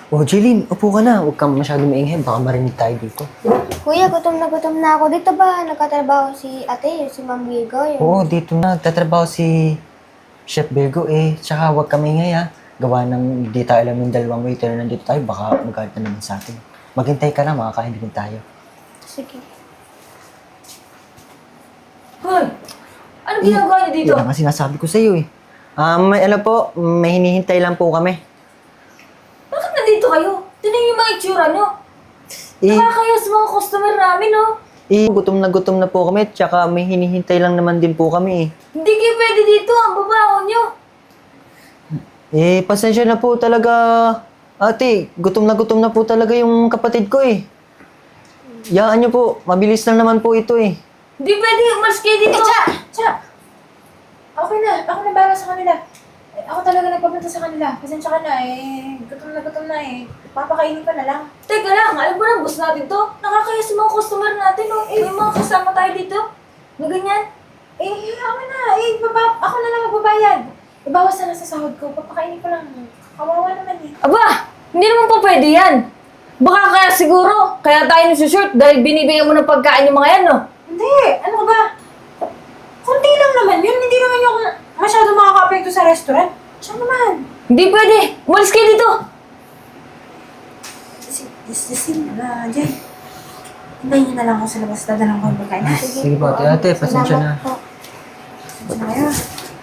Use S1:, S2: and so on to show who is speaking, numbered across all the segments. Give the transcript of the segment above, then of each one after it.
S1: Oh, Jeline, upo ka na. Huwag kang masyadong maingay. Baka marinig tayo dito.
S2: Kuya, gutom na ako. Dito ba nagkatrabaho si ate, si Ma'am Virgo?
S1: Oo, dito na. Nagtatrabaho si Chef Virgo eh. Tsaka huwag kang maingay ha. Gawa ng di tayo alam yung dalawang waiter na nandito tayo. Baka magalit na naman sa atin. Maghintay ka lang, makakain din tayo.
S2: Sige.
S3: Hoy! Ano ginagawa niyo dito?
S1: Yan ang sinasabi ko sa iyo eh. May hinihintay lang po kami.
S3: Bakit nandito kayo? Tignan niyo yung mga itsura niyo. Nakakaya sa mga customer namin, oh.
S1: Gutom na po kami. Tsaka may hinihintay lang naman din po kami eh.
S3: Hindi kayo pwede dito. Ang babaho niyo.
S1: Pasensya na po talaga. Ate, gutom na po talaga yung kapatid ko eh. Yaan niyo po. Mabilis lang naman po ito eh.
S3: Hindi pwede. Umalis kayo dito.
S4: Cha! Okay na. Ako na bahala sa kanila. Ako talaga nagpapunta sa kanila. Pasensya ka na eh. Gutom na eh. Papakainin ka na lang.
S3: Teka lang. Alam mo na, boss natin to. Nakakaya sa mga customer natin, oh. May mga kasama tayo dito. Na ganyan.
S4: Ako na. Ako na lang magbabayad. Ibawas na lang sa sahod ko. Papakainin ko lang. Kawawa naman eh.
S3: Aba! Hindi naman po pwede yan. Baka kaya siguro. Kaya tayo nasushort dahil binibigyan mo ng pagkain yung mga yan, no?
S4: Hindi. Ano ka ba? Kunti lang naman yun. Hindi naman yung masyado makaka-apekto sa restaurant. Siya naman.
S3: Hindi pwede. Umalis kayo dito.
S4: Sin na dyan. Hintayin niyo na lang ako sa labas. Dadalang ko yung pagkain.
S1: Sige po, ate. Pasensya na.
S2: Salamat po.
S4: Pasensya na kayo.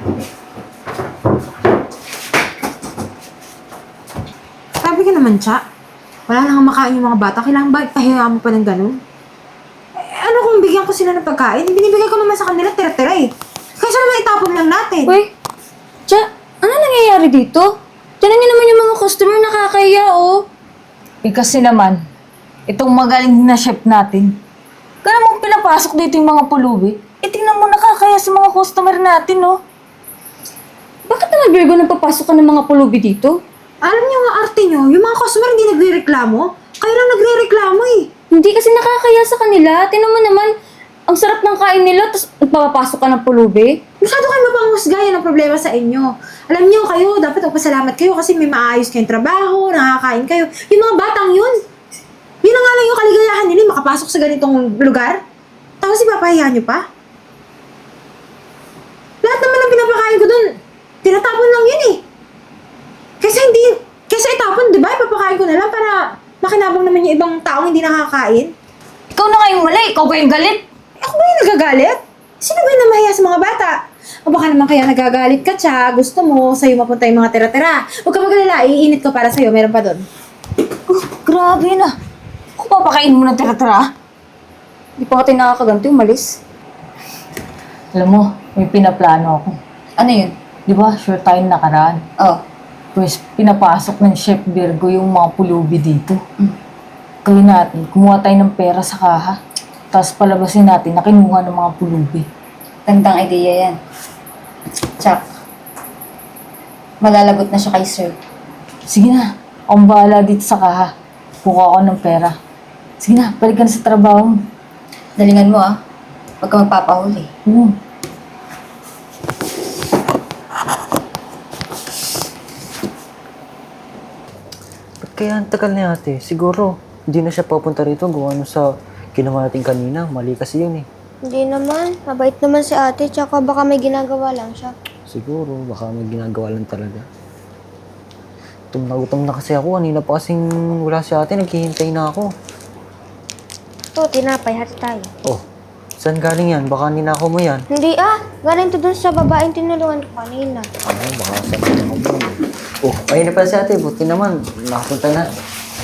S4: Sabi ka naman, Cha. Wala nang makain yung mga bata. Kailangan ba pahiya mo pa ng ganun? Ano kung bigyan ko sila ng pagkain? Binibigay ko naman sa kanila tira-tira eh. Kaysa naman itapon lang natin.
S3: Uy, Cha, ano nangyayari dito? Tinan niyo naman yung mga customer nakakaya, oh. Kasi naman, itong magaling na chef natin, kaya mong pinapasok dito yung mga pulubi, tingnan mo nakakaya sa mga customer natin, oh. Bakit naman, Virgo, nagpapasok ka ng mga pulubi dito?
S4: Alam niyo nga arte niyo, yung mga customer hindi nagre-reklamo. Kayo lang nagre-reklamo eh.
S3: Hindi kasi nakakaya sa kanila. Tingnan mo naman, ang sarap ng kain nila, tapos nagpapasok ka ng pulubi.
S4: Masyado kayo mapanghusgayan ang problema sa inyo. Alam niyo kayo, dapat magpasalamat kayo kasi may maayos kayong trabaho, nakakain kayo. Yung mga batang yun, yun na nga lang yung kaligayahan nila, makapasok sa ganitong lugar. Tapos ipapahiya niyo pa? Lahat naman ng pinapakain ko dun, tinatapon lang yun eh. Kaysa itapon, di ba? Ipapakain ko na lang para makinabang naman yung ibang taong hindi nakakain.
S3: Ikaw na kayong mali, ikaw ba yung galit?
S4: Ako ba yung nagagalit? Sino ba yung namahiya sa mga bata? O baka naman kaya nagagalit ka, Cha. Gusto mo, sa'yo mapunta yung mga tira-tira. Huwag ka magalala, iinit ko para sa'yo. Meron pa doon.
S3: Grabe na. Ako papakain mo ng tira-tira. Hindi pa ka nakakaganti, umalis. Alam mo, may pinaplano ako. Ano yun? Di ba, sure tayo nakaraan? Oo. Pues, pinapasok ng Chef Virgo yung mga pulubi dito. Gawin natin, kumuha tayo ng pera sa kaha. Tapos palabasin natin na kinuha ng mga pulubi.
S5: Gandang ideya yan. Tsak, malalagot na siya kay sir.
S3: Sige na, akong bahala dito sa kaha. Kuha ako ng pera. Sige na, balik ka na sa trabaho mo.
S5: Dalingan mo ah. Huwag ka magpapahuli.
S1: Ba't kaya ang tagal na ate? Siguro, hindi na siya papunta rito. Gawa nung sa ginawa natin kanina. Mali kasi yun eh.
S2: Hindi naman. Mabait naman si ate, tsaka baka may ginagawa lang siya.
S1: Siguro, baka may ginagawa lang talaga. Gutom na kasi ako. Kanina pa kasing wala si ate. Naghihintay na ako.
S2: Ito, tinapay, hati tayo.
S1: Oh, saan galing yan? Baka ninakaw mo yan.
S2: Hindi galing to dun sa babaeng tinulungan ko kanina.
S1: Baka saan ninakaw mo yan. Oh, ayun na pala si ate. Buti naman. Nakapunta na.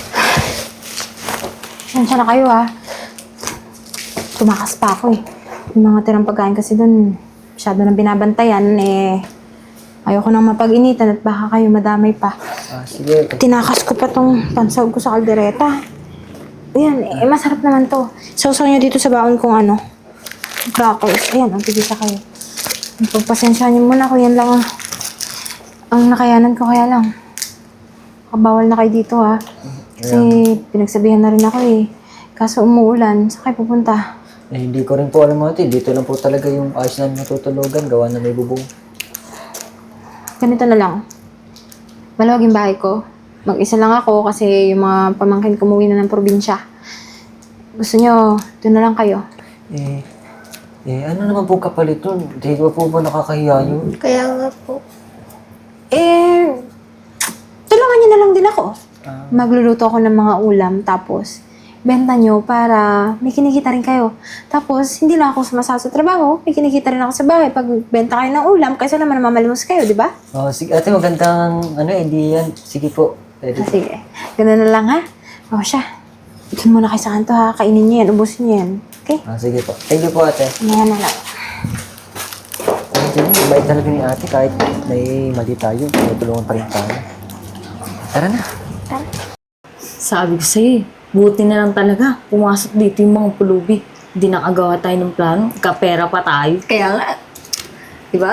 S4: Sensya na kayo ah. Tumakas pa ako eh. Yung mga tirang pagkain kasi doon, masyado nang binabantayan eh. Ayoko nang mapag-initan at baka kayo madamay pa.
S1: Sige.
S4: Tinakas ko pa tong pansahog ko sa kaldereta. Ayan, masarap naman to. Sausaw nyo dito sa baon kong crackers. Ayan, ang tigisa kayo. Pagpasensya niyo muna ko, yan lang ang nakayanan ko, kaya lang. Kabawal na kayo dito ha. Kasi pinagsabihan na rin ako eh. Kaso umuulan, saan kayo pupunta?
S1: Hindi ko rin po alam ate. Dito lang po talaga yung ayos namin natutulugan. Gawa na may bubong.
S4: Ganito na lang. Malawag yung bahay ko. Mag-isa lang ako kasi yung mga pamangkin ko umuwi na ng probinsya. Gusto nyo, doon na lang kayo.
S1: Ano naman po kapalit nun? Di ba po ba nakakahiya yun?
S2: Kaya nga po.
S4: Tulungan nyo na lang din ako. Magluluto ako ng mga ulam, tapos benta nyo para may kinikita rin kayo. Tapos, hindi lang ako sumasama sa trabaho, may kinikita rin ako sa bahay pag benta kayo ng ulam, kaysa naman mamalimos kayo, di ba?
S1: Sige, ate, magandang idea yan. Sige po. Pwede.
S4: Sige, ganun na lang ha. Siya. Doon muna kayo sa kanto ha, kainin nyo yan, ubusin nyo yan. Okay?
S1: Sige po. Thank you po, ate.
S4: Mamaya na lang.
S1: Bait talaga ni ate kahit may mali tayo. Tutulungan pa rin tayo. Tara na.
S3: Sabi ko sa'yo buti na lang talaga. Pumasok dito yung mga pulubi. Hindi nakagawa tayo ng plano. Kapera pa tayo.
S5: Kaya nga. Diba?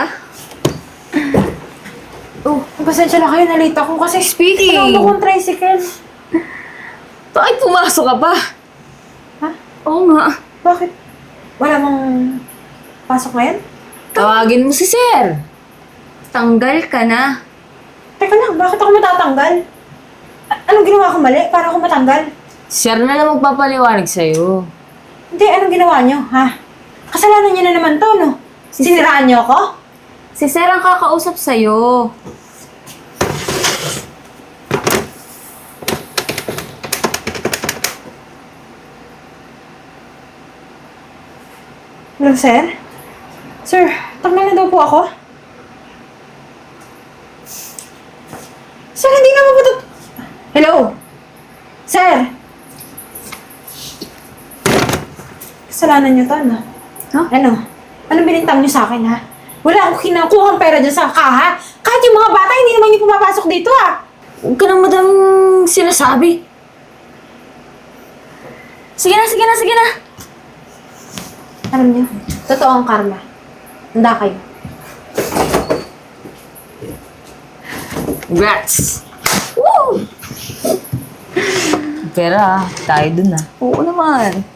S4: Pasensya na kayo, nalate ako kasi
S3: Speaking!
S4: alam ko kung tricycle.
S3: Bakit pumasok ka pa?
S4: Ha?
S3: Oo nga.
S4: Bakit? Wala mong pasok ngayon?
S3: Tawagin mo si Sir.
S5: Tanggal ka na.
S4: Teka lang, bakit ako matatanggal? Anong ginawa ko mali para ako matanggal?
S3: Sir na lang magpapaliwanag sa'yo.
S4: Hindi, anong ginawa nyo, ha? Kasalanan nyo na naman to, no? Siniraan nyo ako?
S5: Si Sir ang kakausap sa'yo.
S4: Hello, sir? Sir, tanggal na daw po ako? Sir, hindi naman po to... Hello? Sir? Kasalanan nyo to, no? Ano? Anong binintang nyo sa akin, ha? Wala akong kinakuhang pera dyan sa kaha. Kahit yung mga bata, hindi naman yung pumapasok dito, ha?
S3: Huwag ka nang madang sinasabi. Sige na, sige na, sige na.
S4: Alam nyo, totoo ang karma. Handa kayo.
S3: Congrats! Woo! Pera, tayo dun ah.
S5: Oo naman.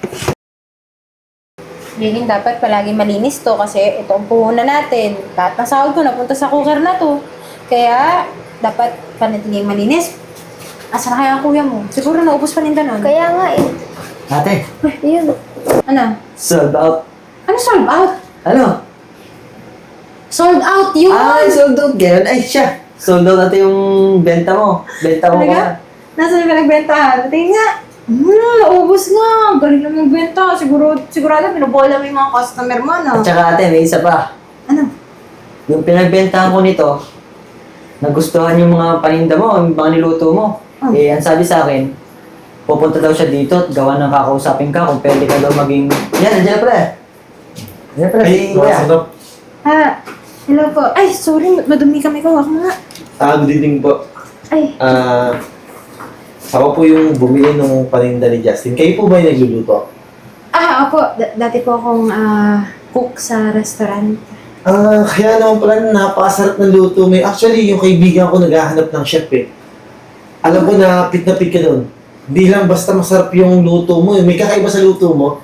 S4: Lilin, dapat palagi malinis to kasi ito ang puhunan natin. Lahat ng sahod ko napunta sa cooker na to. Kaya, dapat panatiling malinis. Asa na kaya ang kuya mo? Siguro naubos pa ninda nun.
S2: Kaya nga eh.
S1: Ate,
S2: Ayun.
S4: Ano?
S1: sold out.
S4: Ano sold out?
S1: Ano?
S4: Sold out yun!
S1: Sold out. Ganun. Ay, siya. Sold out ate yung benta mo. Benta mo
S4: Talaga?
S1: ba?
S4: Nasaan ka nagbentahan? Tingin nga. Naubos nga. Galing na magbenta. Sigurado pinubola mo yung mga customer mo, no?
S1: At saka ate, may isa pa.
S4: Ano?
S1: Yung pinagbentahan ko nito, nagustuhan yung mga paninda mo, yung mga niluto mo.
S4: Oh.
S1: Ang sabi sa akin, pupunta daw siya dito at gawa ng kakausapin ka kung pwede ka daw maging... Yan, nandiyan na pala. Nandiyan na pala si Kuya.
S4: Hello po. Ay, sorry. Madumi kami ko. Ako nga.
S6: Good evening po.
S4: Ay,
S6: Ako po yung bumili ng paninda ni Justin. Kayo po ba yung nagluluto?
S4: opo. Dati po akong cook sa restaurant.
S6: Kaya naman pala napakasarap ng luto mo. Actually, yung kaibigan ko naghahanap ng chef eh. Alam ko na pit ka doon. Hindi lang basta masarap yung luto mo. May kakaiba sa luto mo.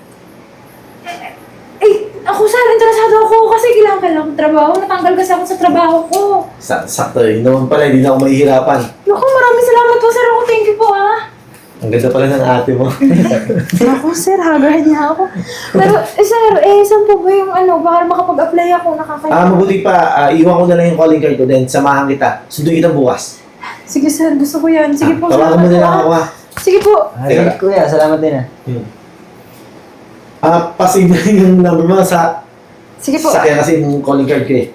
S4: Ako sir, interesado ako kasi kailangan kong trabaho. Natanggal kasi ako sa trabaho ko.
S6: Sakto eh. Yun naman pala, hindi na ako mahihirapan.
S4: Naku, maraming salamat po sir. Thank you po
S6: Ang ganda pala ng ate mo.
S4: Naku sir, haggard niya ako. Pero sir, saan po ba yung baka makapag-apply ako, nakakaya.
S6: Mabuti pa, iwan ko na lang yung calling card ko, then samahan kita. Sunduin kita bukas.
S4: Sige sir, gusto ko yan. Sige po,
S6: Tawagan mo na lang ako ha.
S4: Sige po.
S1: Ay, Kuya, salamat din ah.
S6: Pasig na yung number mo sa
S4: Sige po.
S6: sakyan kasi yung calling card ko eh.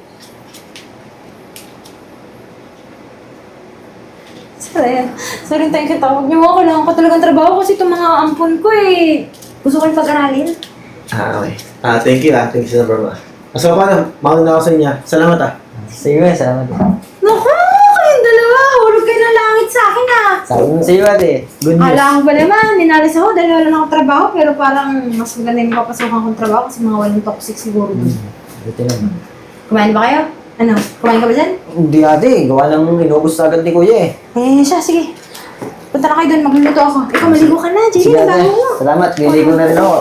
S4: Sir, ayan. Sir, thank you. Tawag niyo ako. Kailangan ko talagang trabaho kasi itong mga ampon ko gusto ko yung pag-aralin.
S6: Okay. Thank you Thank you sa number mo. So, paano? Mauna na ako sa inyo. Salamat
S1: Sige, Kuya, salamat din.
S4: Naku, kayong dalawa. Hulog kayo ng langit sa akin
S1: Sabi mo sa iyo ate, good news.
S4: Alam ko ba naman, minalis ako dahil wala na akong trabaho, pero parang mas maganda yung papasukan kong trabaho kasi mga walang toxic siguro dun.
S1: Buti naman.
S4: Kumain ba kayo? Ano? Kumain ka ba dyan?
S1: Hindi ate, gawa ng inubos agad ni Kuya eh.
S4: Siya, sige. Punta na kayo doon, magluluto ako. Ikaw, maligo ka na, Jenny,
S1: Sige ate,
S4: trabaho mo.
S1: salamat. Liligo na rin ako.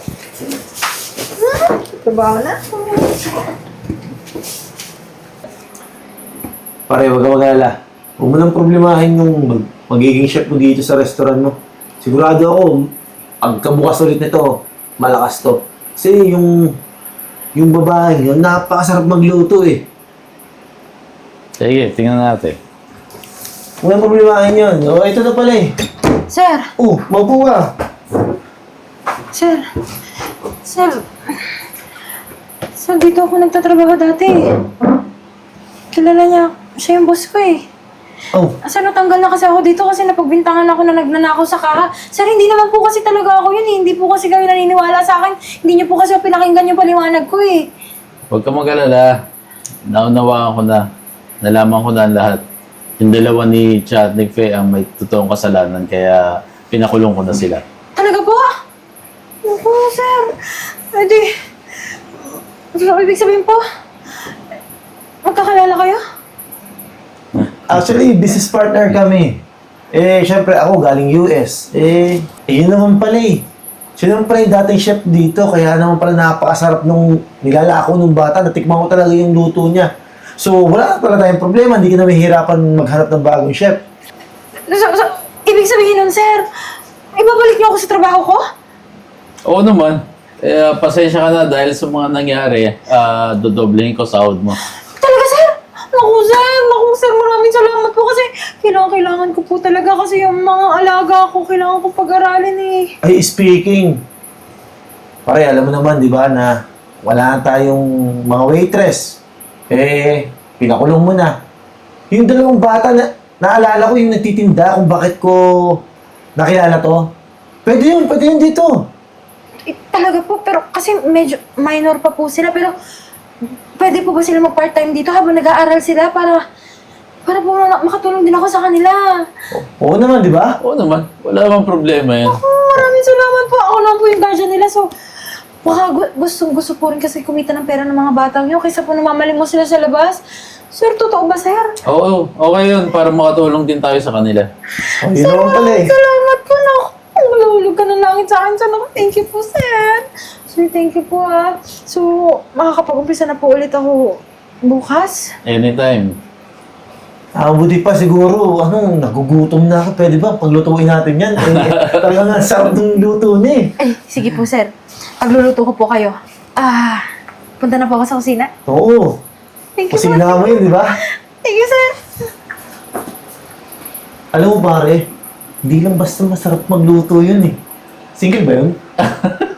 S4: Trabaho na.
S6: Pare, wag ka mag-alala. Huwag mo nang problemahin yung magiging chef mo dito sa restaurant mo. Sigurado ako, pagkabukas ulit nito, malakas to. Kasi yung babae yun, napakasarap magluto eh.
S7: Sige, tingnan natin.
S6: Huwag nang problemahin yun. O, ito na pala eh.
S4: Sir!
S6: Maupo ka.
S4: Sir! Sir! Sir, dito ako nagtatrabaho dati. Kilala niya. Siya yung boss ko eh. Sir, natanggal na kasi ako dito kasi napagbintangan ako na nagnanakaw sa kaha. Sir, hindi naman po kasi talaga ako yun eh. Hindi po kasi kayo naniniwala sa akin. Hindi niyo po kasi pinakinggan yung paliwanag ko eh.
S7: Huwag ka mag-alala. Naunawaan ko na. Nalaman ko na ang lahat. Yung dalawa ni Cha at ni Faye ang may totoong kasalanan kaya pinakulong ko na sila.
S4: Talaga po? Naku, sir. Pwede. So, ibig sabihin po, magkakalala kayo?
S6: Actually, business partner kami. Syempre ako galing US. Yun naman pala eh. Siya naman pala yung dating chef dito, kaya naman pala napakasarap nung nilalako nung bata. Natikman ko talaga yung luto niya. So, wala na pala tayong problema. Hindi ka na mahihirapan maghanap ng bagong chef.
S4: So, ibig sabihin nun, sir, ibabalik niyo ako sa trabaho ko?
S7: Oo naman. Pasensya ka na dahil sa mga nangyari. Dodoblehin ko sahod mo.
S4: Talaga, sir? Naku, sir, maraming salamat po kasi kailangan ko po talaga kasi yung mga alaga ko, kailangan ko pag-aralin eh.
S6: Ay, speaking. Pare, alam mo naman, di ba, na wala na tayong mga waitress. Pinakulong mo na. Yung dalawang bata na naalala ko yung nagtitinda kung bakit ko nakilala to. Pwede yun dito.
S4: Talaga po, pero kasi medyo minor pa po sila, pero pwede po ba sila mag-part-time dito habang nag-aaral sila para po makatulong din ako sa kanila?
S6: Oo naman, di ba?
S7: Oo naman. Wala namang problema yan.
S4: Maraming salamat po. Ako lang po yung guardian nila, so baka gusto po rin kasi kumita ng pera ng mga batang yun kaysa po namamalim mo sila sa labas. Sir, totoo ba, sir?
S7: Oo, okay yun. Para makatulong din tayo sa kanila.
S6: Yun naman pala eh.
S4: Salamat po, naku. Malulog ka ng langit sa akin. Sana thank you po, sir. Sir, thank you po, ah. So, makakapag-umpisa na po ulit ako bukas.
S7: Anytime.
S6: Buti pa siguro, nagugutom na ako. Pwede ba? Paglutuin natin yan. Talagang ang sarap ng luto niya eh.
S4: Ay, sige po, sir. Pagluluto ko po kayo. Punta na po ako sa kusina.
S6: Oo.
S4: Thank you,
S6: Kasi
S4: sir.
S6: mo yun, di ba?
S4: Thank you, sir.
S6: Alam mo pare, hindi lang basta masarap magluto yun eh. Single ba yun?